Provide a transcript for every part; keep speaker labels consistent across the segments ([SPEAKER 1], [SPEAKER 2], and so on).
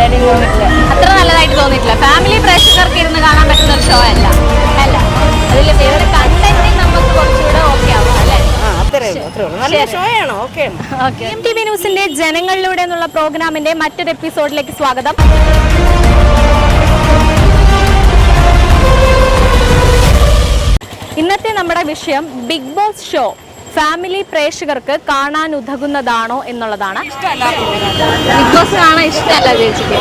[SPEAKER 1] അത്ര നല്ലതായിട്ട് തോന്നിയിട്ടില്ല. ഫാമിലി പ്രേക്ഷകർക്ക് ഇരുന്ന് കാണാൻ പറ്റുന്ന ഒരു ഷോ അല്ല. അതിൽ വേറെ കണ്ടന്റ് നമുക്ക് കുറച്ചുകൂടെ ഓക്കെ ആവും അല്ലേ? MTV ന്യൂസിന്റെ ജനങ്ങളിലൂടെ എന്നുള്ള പ്രോഗ്രാമിന്റെ മറ്റൊരു എപ്പിസോഡിലേക്ക് സ്വാഗതം. ഇന്നത്തെ നമ്മുടെ വിഷയം ബിഗ് ബോസ് ഷോ ഫാമിലി പ്രേക്ഷകർക്ക് കാണാൻ ഉതകുന്നതാണോ എന്നുള്ളതാണ്. ബിഗ് ബോസ് കാണാൻ ഇഷ്ടമല്ല ചേച്ചിക്ക്?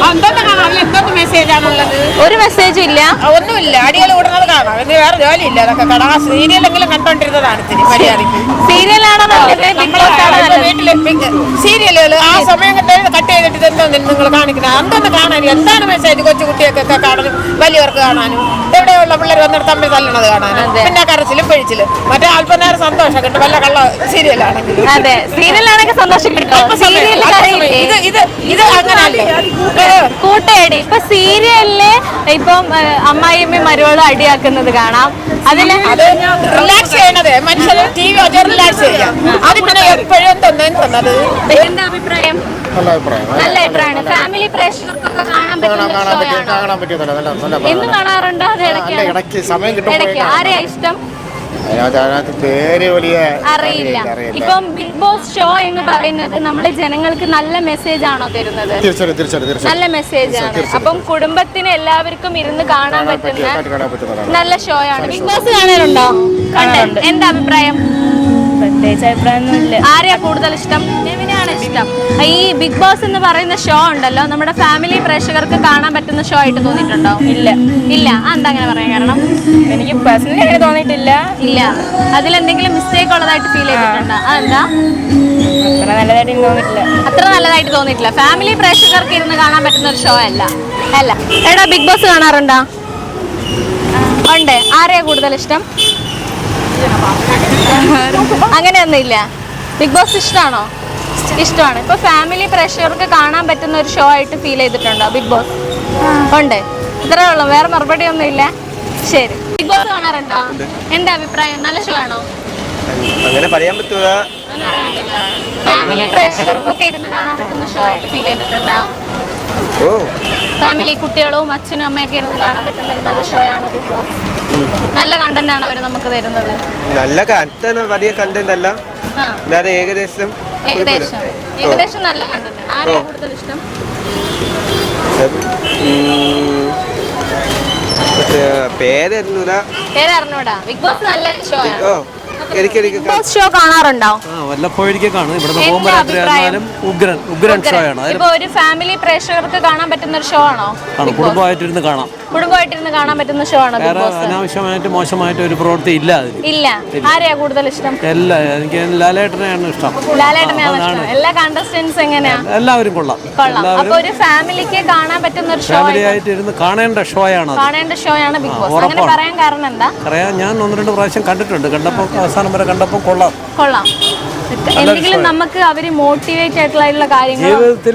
[SPEAKER 1] ഒരു മെസ്സേജും ഇല്ല,
[SPEAKER 2] ഒന്നുമില്ല. അടികൾ കൂടുന്നത് കാണാം, വേറെ ജോലിയില്ല. അതൊക്കെ കാണാം. സീരിയലെങ്കിലും കണ്ടോണ്ടിരുന്നതാണ്.
[SPEAKER 1] സീരിയലാണോ
[SPEAKER 2] വീട്ടിലെ സീരിയലുകൾ ആ സമയം കട്ട് ചെയ്തിട്ട് എന്തോ നിങ്ങൾ കാണിക്കുന്നത് അതൊന്ന് കാണാനും എന്താണ് മെസ്സേജ് കൊച്ചു കുട്ടികൾക്കൊക്കെ കാണാനും വലിയവർക്ക് കാണാനും എവിടെയുള്ള പിള്ളേർ വന്നിട്ട് തമ്മിൽ തല്ലണത് കാണാനും പിന്നെ കരച്ചിലും പിഴിച്ചിലും മറ്റേ അല്പനേരം സന്തോഷം കിട്ടും. വല്ല കള്ള സീരിയലാണെങ്കിൽ
[SPEAKER 1] അതെ, സീരിയലാണെങ്കിൽ സന്തോഷം കിട്ടും.
[SPEAKER 2] ഇത് അങ്ങനല്ലേ
[SPEAKER 1] കൂട്ടയടി. ഇപ്പൊ സീരിയലില് ഇപ്പം അമ്മായിയമ്മയും മരുവളും അടിയാക്കുന്നത് കാണാം. അതിന്
[SPEAKER 2] റിലാക്സ് ചെയ്യണത് മനുഷ്യര് TV വെച്ച് റിലാക്സ് ചെയ്യാം. അത് പിന്നെ എപ്പോഴും തോന്നുന്നത്.
[SPEAKER 1] എന്താ അഭിപ്രായം? നല്ല അഭിപ്രായമാണ്. ഫാമിലി പ്രേക്ഷകർക്കൊക്കെ കാണാൻ പറ്റും. എന്ന് കാണാറുണ്ടോ? അത് ഇടയ്ക്ക് ആരെയാ ഇഷ്ടം? അറിയില്ല. ഇപ്പം ബിഗ് ബോസ് ഷോ എന്ന് പറയുന്നത് നമ്മുടെ ജനങ്ങൾക്ക് നല്ല മെസ്സേജ് ആണോ തരുന്നത്? നല്ല മെസ്സേജ് ആണ്. അപ്പം കുടുംബത്തിന് എല്ലാവർക്കും ഇരുന്ന് കാണാൻ പറ്റുന്ന നല്ല ഷോ ആണ്. ബിഗ് ബോസ് കാണാറുണ്ടോ? എന്താ അഭിപ്രായം? പ്രത്യേകിച്ച് അഭിപ്രായമൊന്നുമില്ല. ആരെയാ കൂടുതൽ ഇഷ്ടം? നെവിനെയാണ് ഇഷ്ടം. ഈ ബിഗ് ബോസ് എന്ന് പറയുന്ന ഷോ ഉണ്ടല്ലോ, നമ്മുടെ ഫാമിലി പ്രേക്ഷകർക്ക് കാണാൻ പറ്റുന്ന ഷോ ആയിട്ട് തോന്നിയിട്ടുണ്ടോ? ഇല്ല. എന്താ അങ്ങനെ പറയാൻ കാരണം? എനിക്ക് പേഴ്സണലി അങ്ങനെ തോന്നിയിട്ടില്ല. ഇല്ല. അതിലെന്തെങ്കിലും മിസ്റ്റേക്ക് ഉള്ളതായിട്ട് ഫീൽ ചെയ്തിട്ടുണ്ടോ? അതെന്താ? അത്ര നല്ലതായിട്ട് തോന്നിയിട്ടില്ല. ഫാമിലി പ്രേക്ഷകർക്ക് ഇരുന്ന് കാണാൻ പറ്റുന്ന ഒരു ഷോ അല്ല. എടാ, ബിഗ് ബോസ് കാണാറുണ്ടോ? ഉണ്ട്. ആരെയാ കൂടുതൽ ഇഷ്ടം? അങ്ങനെയൊന്നുമില്ല. ബിഗ് ബോസ് ഇഷ്ടമാണോ? ഇഷ്ടമാണ്. ഇപ്പൊ ഫാമിലി പ്രേക്ഷകർക്ക് കാണാൻ പറ്റുന്ന ഒരു ഷോ ആയിട്ട് ഫീൽ ചെയ്തിട്ടുണ്ടോ ബിഗ് ബോസ്? ഉണ്ട്. ഇത്രേ ഉള്ളൂ, വേറെ മറുപടി ഒന്നും ഇല്ല. ശരി. ബിഗ് ബോസ് കാണാറുണ്ടോ? എന്താ അഭിപ്രായം? നല്ല ഷോ ആണോ?
[SPEAKER 3] അങ്ങനെ പറയാൻ പറ്റുക.
[SPEAKER 1] ഫാമിലി പ്രേക്ഷകർക്കൊക്കെ ഇരുന്ന് കാണാൻ പറ്റുന്ന ഷോ ആയിട്ട് ഫീൽ ചെയ്തിട്ടുണ്ടോ? ഫാമിലി കുട്ടികളും അച്ഛനും അമ്മയൊക്കെ ഇരുന്ന് കാണാൻ പറ്റുന്ന നല്ല ഷോ ആണ് ബിഗ് ബോസ്. നല്ല കണ്ടന്റ് ആണ് അവർ നമുക്ക് തരുന്നത്.
[SPEAKER 3] നല്ല കണ്ടന്റ്, വലിയ കണ്ടന്റ് അല്ല, ഏകദേശം
[SPEAKER 1] നല്ല കണ്ടന്റ്. ആരെയാണ് കൂടുതൽ ഇഷ്ടം? പേരറിഞ്ഞൂടാ. ബിഗ് ബോസ് നല്ല ഷോ ആണ്. ഷോ കാണാറുണ്ടോ?
[SPEAKER 4] വല്ലപ്പോഴൊരിക്കൽ കാണും. ഇവിടുന്ന് പോകുമ്പോൾ രാത്രിയായാലും ഉഗ്രൻ ഷോ ആണ്.
[SPEAKER 1] ഇപ്പൊ ഒരു ഫാമിലി പ്രേക്ഷകർക്ക് കാണാൻ പറ്റുന്ന ഒരു ഷോ ആണോ?
[SPEAKER 4] കുടുംബമായിട്ടിരുന്ന് കാണാൻ
[SPEAKER 1] പറ്റുന്ന ഷോ ആണ്.
[SPEAKER 4] അനാവശ്യമായിട്ട് മോശമായിട്ട് ഒരു പ്രവൃത്തി ഇല്ല അതിൽ.
[SPEAKER 1] ഇല്ല. ആരെയാ കൂടുതൽ ഇഷ്ടം?
[SPEAKER 4] എനിക്ക് ലാലേട്ടനെയാണ് ഇഷ്ടം.
[SPEAKER 1] എല്ലാ കണ്ടസ്റ്റന്റ്സ് എങ്ങനെയാ?
[SPEAKER 4] എല്ലാവരും കൊള്ളാം.
[SPEAKER 1] അപ്പൊ ഒരു ഫാമിലിക്ക് കാണാൻ പറ്റുന്ന ഒരു ഷോ
[SPEAKER 4] ആയിട്ട് കാണേണ്ട ഷോ ആണ്
[SPEAKER 1] ബിഗ് ബോസ്. അങ്ങനെ പറയാൻ കാരണം എന്താ?
[SPEAKER 4] ഞാൻ 1-2 പ്രാവശ്യം കണ്ടിട്ടുണ്ട്. കണ്ടപ്പോ അവസാനം വരെ കണ്ടപ്പോ കൊള്ളാം.
[SPEAKER 1] എന്തെങ്കിലും നമുക്ക് അവര് മോട്ടിവേറ്റ് ആയിട്ടുള്ള കാര്യങ്ങൾ
[SPEAKER 4] ജീവിതത്തിൽ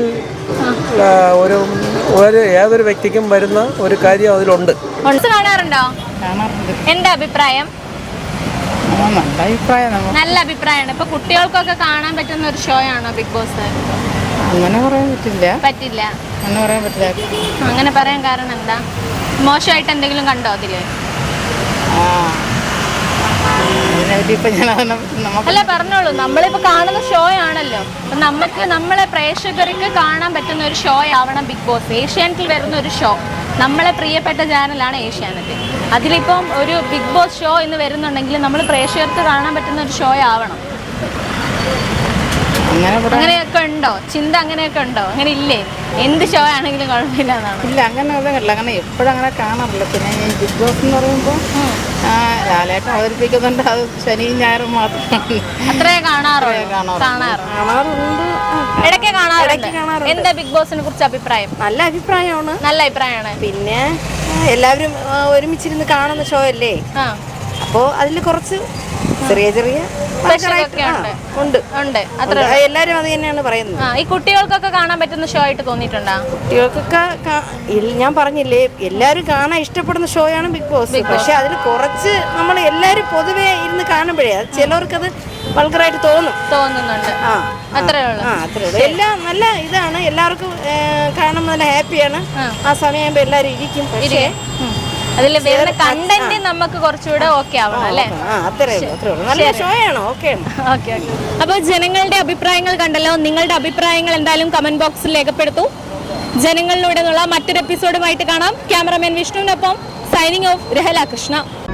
[SPEAKER 4] ഏതൊരു വ്യക്തിക്കും വരുന്ന ഒരു കാര്യം അതിലുണ്ട്.
[SPEAKER 1] കാണാറുണ്ടോ? എന്താ അഭിപ്രായം? നല്ല അഭിപ്രായമാണ്. ഇപ്പൊ കുട്ടികൾക്കൊക്കെ കാണാൻ പറ്റുന്ന ഒരു ഷോ ആണോ ബിഗ് ബോസ്?
[SPEAKER 2] അങ്ങനെ പറയാൻ
[SPEAKER 1] പറ്റില്ല. അങ്ങനെ പറയാൻ കാരണം എന്താ? മോശമായിട്ട് എന്തെങ്കിലും കണ്ടോ അതില്? അല്ല, പറഞ്ഞോളൂ. നമ്മളിപ്പോ കാണുന്ന ഷോ ആണല്ലോ. അപ്പൊ നമുക്ക് നമ്മളെ പ്രേക്ഷകർക്ക് കാണാൻ പറ്റുന്ന ഒരു ഷോ ആവണം ബിഗ് ബോസ്. ഏഷ്യാനെറ്റിൽ വരുന്ന ഒരു ഷോ, നമ്മളെ പ്രിയപ്പെട്ട ചാനലാണ് ഏഷ്യാനെറ്റ്. അതിലിപ്പം ഒരു ബിഗ് ബോസ് ഷോ എന്ന് വരുന്നുണ്ടെങ്കിൽ നമ്മൾ പ്രേക്ഷകർക്ക് കാണാൻ പറ്റുന്ന ഒരു ഷോ ആവണം. അങ്ങനെയൊക്കെ ഉണ്ടോ? ചിന്ത അങ്ങനെയൊക്കെ ഉണ്ടോ? അങ്ങനെ ഇല്ലേ? എന്ത് ഷോ ആണെങ്കിലും കുഴപ്പമില്ല എന്നാണ്?
[SPEAKER 2] ഇല്ല, അങ്ങനെ എപ്പോഴും അങ്ങനെ കാണാറില്ല. പിന്നെ ഈ ബിഗ് ബോസ് എന്ന് പറയുമ്പോൾ ലാലേട്ടൻ അവതരിപ്പിക്കുന്നുണ്ട്. അത് ശനിയും ഞായറും മാത്രം.
[SPEAKER 1] അത്രേ കാണാറുണ്ട്. ഇടയ്ക്ക് കാണാറുണ്ട്. എന്താ ബിഗ് ബോസിനെ കുറിച്ച് അഭിപ്രായം?
[SPEAKER 5] നല്ല അഭിപ്രായമാണ്. പിന്നെ എല്ലാവരും ഒരുമിച്ചിരുന്ന് കാണുന്ന ഷോ അല്ലേ. അപ്പോ അതിൽ കുറച്ച് ചെറിയ ഉണ്ട്. എല്ലാരും അത് തന്നെയാണ് പറയുന്നത്.
[SPEAKER 1] ഈ കുട്ടികൾക്കൊക്കെ കാണാൻ പറ്റുന്ന ഷോ ആയിട്ട് തോന്നിയിട്ടുണ്ടോ?
[SPEAKER 5] കുട്ടികൾക്കൊക്കെ ഞാൻ പറഞ്ഞില്ലേ, എല്ലാവരും കാണാൻ ഇഷ്ടപ്പെടുന്ന ഷോ ആണ് ബിഗ് ബോസ്. പക്ഷെ അതിൽ കുറച്ച് നമ്മൾ എല്ലാവരും പൊതുവെ ഇരുന്ന് കാണുമ്പോഴേ ചിലവർക്കത് വൾഗറായിട്ട്
[SPEAKER 1] തോന്നുന്നുണ്ട്. അത്രേ ഉള്ളൂ.
[SPEAKER 5] അത്രേ ഉള്ളൂ. എല്ലാം നല്ല ഇതാണ്, എല്ലാവർക്കും കാണുമ്പോൾ നല്ല ഹാപ്പിയാണ്. ആ സമയമാകുമ്പോൾ എല്ലാവരും ഇരിക്കും. പക്ഷേ
[SPEAKER 1] അതിൽ വരുന്ന കണ്ടന്റ് നമുക്ക് കുറച്ചുകൂടെ ഓക്കെ ആവണം അല്ലേ?
[SPEAKER 5] അത്രേ ഉള്ളൂ. നല്ല ഷോ ആണ്. ഓക്കെ.
[SPEAKER 1] അപ്പോൾ ജനങ്ങളുടെ അഭിപ്രായങ്ങൾ കണ്ടല്ലോ. നിങ്ങളുടെ അഭിപ്രായങ്ങൾ എന്തായാലും കമന്റ് ബോക്സിൽ രേഖപ്പെടുത്തൂ. ജനങ്ങളിലൂടെ മറ്റൊരു എപ്പിസോഡുമായിട്ട് കാണാം. ക്യാമറമാൻ വിഷ്ണുവിനൊപ്പം സൈനിങ് ഓഫ് രഹല കൃഷ്ണ.